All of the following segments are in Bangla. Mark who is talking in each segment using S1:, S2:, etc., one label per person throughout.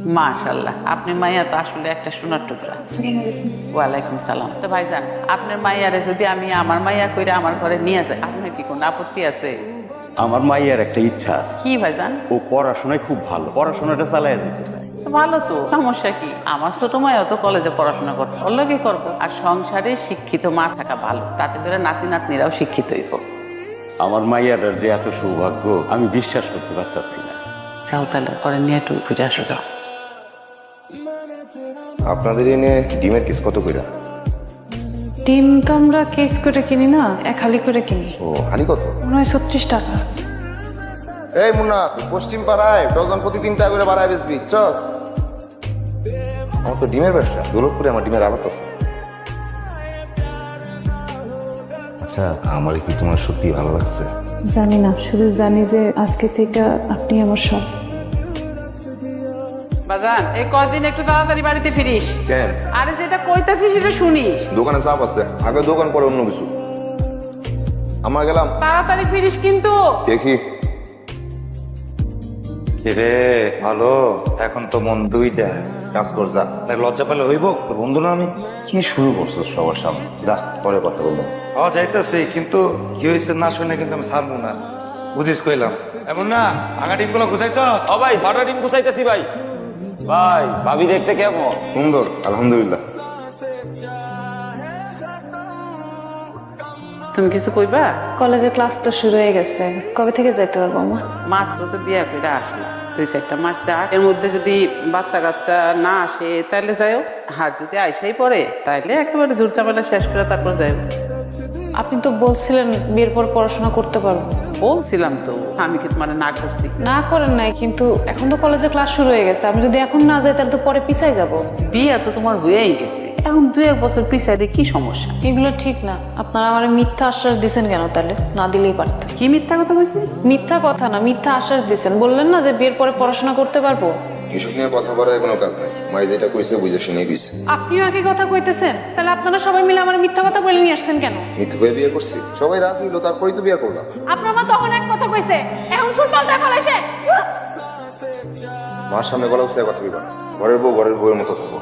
S1: মাশাআল্লাহ, আপনার মাইয়া তো আসলে একটা সোনার টুকরা। ওয়ালাইকুম সালাম। তো ভাইজান, আপনার মাইয়ারে যদি আমি আমার মাইয়া কইরা আমার ঘরে নিয়ে যাই, আপনার কি কোনো আপত্তি আছে?
S2: আমার মাইয়ার একটা ইচ্ছা আছে,
S1: কি ভাইজান?
S2: ও পড়াশোনায় খুব ভালো, পড়াশোনাটা চালায় যেতে চায়।
S1: তো ভালো তো, সমস্যা কি? আমার ছোট মাইয়া তো কলেজে পড়াশোনা করতে, ওর লগে করবো। আর সংসারে শিক্ষিত মা থাকা ভালো, তাতে করে নাতি নাতনিরাও শিক্ষিত হইব।
S2: আমার মাইয়ার যে এত সৌভাগ্য আমি বিশ্বাস করতে পারতাছি না।
S1: যাও তাহলে, পরে নিয়ে একটু ঘুরে আসো, যাও।
S3: আপনাদের এনে ডিমের কেস কত কইরা?
S4: ডিম তো আমরা কেস করে কিনি না, এক হালি করে কিনি।
S3: ও হানি কত?
S4: মনে হয় 36 টাকা।
S3: এই মুন্না, পশ্চিম পাড়ায় ডজন প্রতি 3 টাকা করে বাড়ায় বেচবি, চস। আমার তো ডিমের ব্যবসা, দৌলতপুরে আমার ডিমের আড়ত আছে। আচ্ছা, আমার কি তোমার সত্যি ভালো লাগছে?
S4: জানি না, শুধু জানি যে আজকে থেকে আপনি আমার সব।
S1: বাজান, এই কদিন একটু তাড়াতাড়ি বাড়িতে ফিরিস।
S3: কেন?
S1: আরে যেটা কইতাছি সেটা শুনিস।
S3: দোকানে চাপ আছে, আগে দোকান পরে অন্য কিছু। আমার গেলাম,
S1: তাড়াতাড়ি ফিরিস কিন্তু।
S3: দেখি।
S5: রে ভালো, এখন তো মন দুইটা। কাজ কর যা, লজ্জা পেলে হইব। তোর বন্ধু না আমি।
S3: কি শুরু করছো সবার সামনে? যা, পরে কথা বলবো।
S5: যাইতেছি, কিন্তু কি হয়েছে না শুনে কিন্তু আমি ছাড়বো না, বুঝিস কইলাম। এমন না ভাঙা ডিম গুলো গুছাইছ?
S6: ও ভাই, ফাটা ডিম গুছাইতেছি ভাই। ভাই, ভাবি দেখতে কেমন?
S3: সুন্দর, আলহামদুলিল্লাহ।
S1: তুমি কিছু কইবা?
S4: কলেজে ক্লাস তো শুরু হয়ে গেছে, কবে থেকে যাইতে পারবো মা?
S1: মাত্র তো বিয়া করে আসলা, 2-4টা মাস যাক, এর মধ্যে যদি বাচ্চা কাচ্চা না আসে তাহলে যাইও। আর যদি আইসাই পড়ে তাইলে একেবারে ঝুট ঝামেলা শেষ করে তারপর যাইও।
S4: আপনি তো বলছিলেন বিয়ের পর পড়াশোনা করতে পারবো।
S1: বলছিলাম তো, আমি কি তোমার না করছি?
S4: না করেন নাই, কিন্তু এখন তো কলেজে ক্লাস শুরু হয়ে গেছে, আমি যদি এখন না যাই তাহলে তো পরে পিছাই যাব।
S1: বিয়া তো তোমার হয়েই গেছে, এখন 2-1 বছর পিছাইলে কি সমস্যা?
S4: এগুলো ঠিক না। আপনারা আমার মিথ্যা আশ্বাস দিছেন কেন? তাহলে না দিলেই পারতেন।
S1: কি মিথ্যা কথা বলছি?
S4: মিথ্যা কথা না, মিথ্যা আশ্বাস দিছেন। বললেন না যে বিয়ের পরে পড়াশোনা করতে পারবো।
S3: এসব নিয়ে কথা বলার কোনো কাজ নাই। মাই যেটা কইছে বুঝে শুনে কইছে।
S4: আপনিও একই কথা কইতেছেন, তাহলে আপনারা সবাই মিলে আমার মিথ্যা কথা বলে নিয়ে আসছেন কেন?
S3: মিথ্যে করে বিয়ে করছি, সবাই রাজি হইলো, তারপরেই তো বিয়ে করলাম।
S4: আপনার মা তখন এক কথা কইছে, এখন সুর পাল্টা ফলাইছে।
S3: মার সামনে গলা উৎসাহে কথা কইবা না। ঘরের বউ ঘরের বউয়ের মতো থাকবো।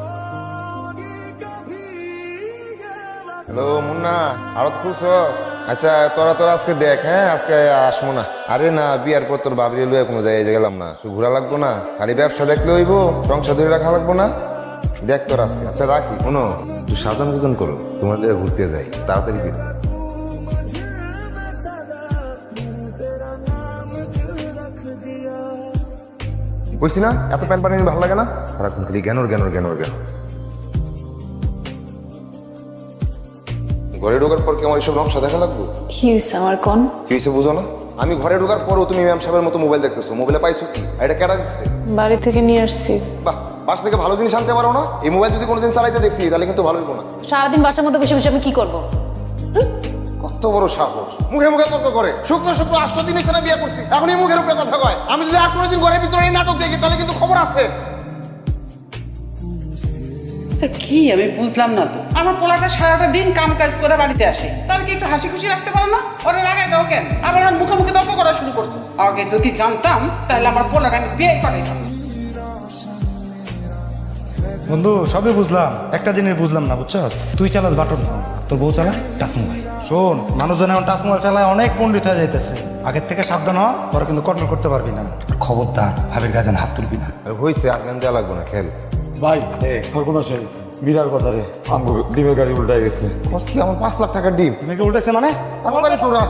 S3: হ্যালো মুন্না, আরো খুশস? আচ্ছা, তোরা আজকে দেখ। হ্যাঁ, আজকে আসবো না। আরে না, বিয়ার পর তোর বাবরি লয়ে কোনো জায়গায় গেলাম না, তুই ঘোরা লাগবো না। খালি ব্যবসা দেখলে হইব, সংসার ধরে রাখা লাগবো না। দেখ তোর আজকে। আচ্ছা রাখি। শোনো, তুই সাজান গুজন করো, তোমার লিয়ে ঘুরতে যাই, তাড়াতাড়ি ফিরে। বুঝছি না, এত প্যান পানি ভালো লাগে না। সারাক্ষণ খালি জ্ঞানর জ্ঞানর জ্ঞানর জ্ঞান। ঘরে ঢোকার পর কি আমার এসব নকশা দেখা লাগবে?
S4: কি হয়েছে আমার কোন?
S3: কি হয়েছে বুঝো না? আমি ঘরে ঢোকার পরও তুমি ম্যাম সাহেবের মতো মোবাইল দেখতেছো। মোবাইলে পাইছো কি? আর এটা কেডা দিচ্ছে?
S4: বাড়ি থেকে নিয়ে আসছি।
S3: বাহ, বাসা থেকে ভালো জিনিস আনতে পারো না? এই মোবাইল যদি কোনোদিন চালাইতে দেখছি তাহলে কিন্তু ভালো হইব না।
S4: সারাদিন বাসার মধ্যে বসে বসে আমি কি করবো?
S3: কত বড় সাহস, মুখে মুখে তর্ক করে। শুক্র শুক্র 8 দিন এখানে বিয়ে করছি, এখন এই মুখের উপরে কথা কয়। আমি যদি আর কোনোদিন ঘরের ভিতরে এই নাটক দেখি তাহলে কিন্তু খবর আছে।
S1: কি আমি বুঝলাম না তো। আমার পোলাটা সারাটা দিন কাম কাজ করে বাড়িতে আসে, তার কি একটু হাসি খুশি রাখতে পারো না? ওরা লাগাই দাও কেন? আবার মুখে মুখে তর্ক করা শুরু করছো। আগে যদি জানতাম তাহলে আমার পোলাটা আমি বিয়ে করাইতাম।
S7: বন্ধু, সবই বুঝলাম, একটা জিনিস বুঝলাম না, বুঝছস? তুই চালাস বাটন ফোন, তোর বউ চালায় টাচ মোবাইল। শোন, মানুষজন এখন টাচ মোবাইল চালায় অনেক পণ্ডিত হয়ে যাইতেছে। আগের থেকে সাবধান হ, তোরা কিন্তু কন্ট্রোল করতে পারবি না। খবরদার ভাবির কাছে হাত তুলবি না।
S3: হয়েছে, আর জ্ঞান দেওয়া লাগবে না, খেল।
S8: ভাই সর্বনাশ হয়ে গেছে, বিরাট কথা রে। আমগো ডিমের গাড়ি উল্টাই গেছে।
S3: কি আমার 5 লাখ টাকার ডিম
S7: মেয়েকে উল্টেছে মানে?
S3: তাড়াতাড়ি তোরা।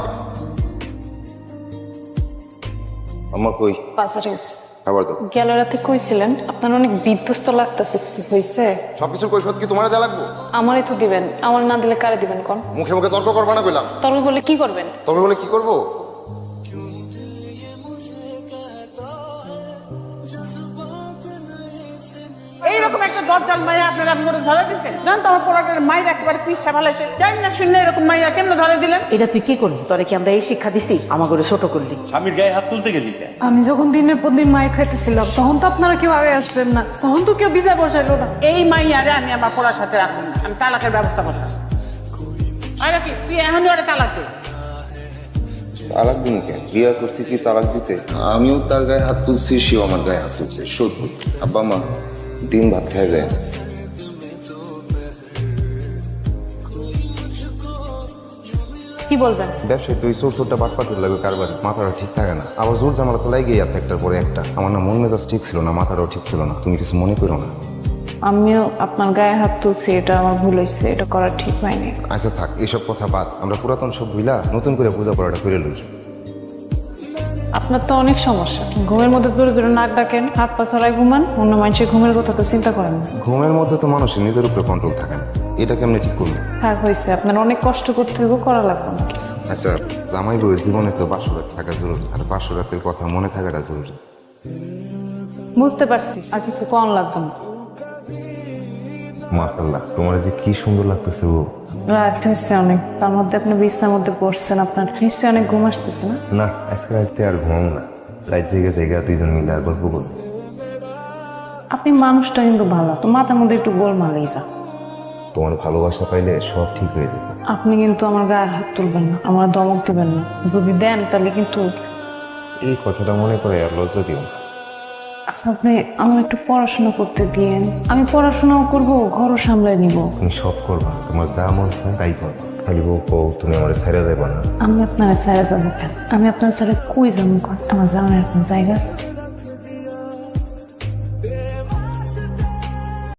S3: আমার কই?
S4: বাজারে গেছি।
S3: খাবার দাও।
S4: গেল রাতে কইছিলেন আপনার অনেক বিধ্বস্ত লাগতেছে, কিছু হয়েছে?
S3: সবকিছুর কৈফিয়ত কি তোমার যা লাগবো?
S4: আমারই তো দিবেন, আমার না দিলে কারে দিবেন কোন?
S3: মুখে মুখে তর্ক করবা না কইলাম।
S4: তর্ক করলে কি করবেন?
S3: তবে বলে কি করবো?
S1: এইরকম একটা দজ্জাল মাইয়া আপনারা আমি করে ধরে দিচ্ছেন? জান তো আমার পোলাটার মায়ের একেবারে পিচ্ছা ভালাইছে। জানি না শুনে এরকম মাইয়া কেমনে ধরে দিলেন?
S9: এটা তুই কি করলি? তোরে কি আমরা এই শিক্ষা দিছি? আমার করে ছোট করলি?
S2: স্বামীর গায়ে হাত তুলতে গেলি কেন?
S4: আমি যখন দিনের পর দিন মায়ের খাইতেছিলাম তখন তো আপনারা কেউ আগে আসলেন না, তখন তো কেউ বিচার বসাইলো না।
S1: এই মাইয়ারে আমি আমার পোলার সাথে রাখুন না, আমি তালাকের ব্যবস্থা করতেছি। আর কি তুই এখনই ওরে তালাক দে।
S3: তালাক দিন কেন? বিয়া করছি কি তালাক দিতে? আমিও তার গায়ে হাত তুলছি, সেও আমার গায়ে হাত তুলছে। সত্যি আব্বা মা দিন ভাত খায় যায় না।
S9: কি বলবেন?
S3: ব্যবসায় তুই চোরটা বাটপাটের লাগে কারবার, মাথাটা ঠিক থাকে না। আবার জোর জামালা তো লাগেই আছে একটার পরে একটা। আমার না মন মেজাজ ঠিক ছিল না, মাথাটাও ঠিক ছিল না। তুমি কিছু মনে করো না।
S10: আমিও আপনার গায়ে হাত তুলছি, এটা আমার ভুল হয়েছে, এটা করা ঠিক হয়নি।
S3: আচ্ছা থাক, এসব কথা বাদ। আমরা পুরাতন সব ভুলা নতুন করে পূজা পড়াটা করে লই।
S10: আপনার তো অনেক সমস্যা, ঘুমের মধ্যে দূরে দূরে নাক ডাকেন, হাত পা ছড়ায় ঘুমান, অন্য মানুষের ঘুমের কথা তো চিন্তা করেন না।
S3: ঘুমের মধ্যে তো মানুষের নিজের উপরে কন্ট্রোল থাকে না, এটা কেমনে ঠিক করবো?
S10: থাক হয়েছে, আপনার অনেক কষ্ট করতে হইব, করা লাগবে না কিছু।
S3: আচ্ছা, জামাই বউয়ের জীবনে তো 500 রাত থাকা জরুরি, আর 500 রাতের কথা মনে থাকাটা জরুরি।
S10: বুঝতে পারছি, আর কিছু কম লাগবে না।
S3: মাশাআল্লাহ, তোমার যে কি সুন্দর লাগতেছে গো।
S10: রাত হচ্ছে অনেক, তার মধ্যে আপনি বিছনার মধ্যে পড়ছেন, আপনার নিশ্চয়ই অনেক ঘুম আসতেছে না?
S3: না, আজকে রাতে আর ঘুম না, রাত জেগে জেগে দুইজন মিলে গল্প করবো।
S10: আপনি মানুষটা কিন্তু ভালো, তো মাথার মধ্যে একটু গোলমালেই যা।
S3: তোমার ভালোবাসা পাইলে সব ঠিক হয়ে যাবে।
S10: আপনি কিন্তু আমার গায়ে হাত তুলবেন না, আমার ধমক দেবেন না, যদি দেন তাহলে কিন্তু।
S3: এই কথাটা মনে করে আর লজ্জা দিও না।
S10: আচ্ছা, আপনি আমার একটু পড়াশোনা করতে দিয়েন, আমি পড়াশোনাও করবো, ঘরও সামলাই নিব।
S3: তুমি সব করবা, তোমার যা মন চায় তাই করবা। খালি বউ কও তুমি আমার ছেড়ে দেবা না।
S10: আমি আপনার ছেড়ে যাবো কেন? আমি আপনার ছেড়ে কই যাবো? আমার জানার কোনো জায়গা আছে?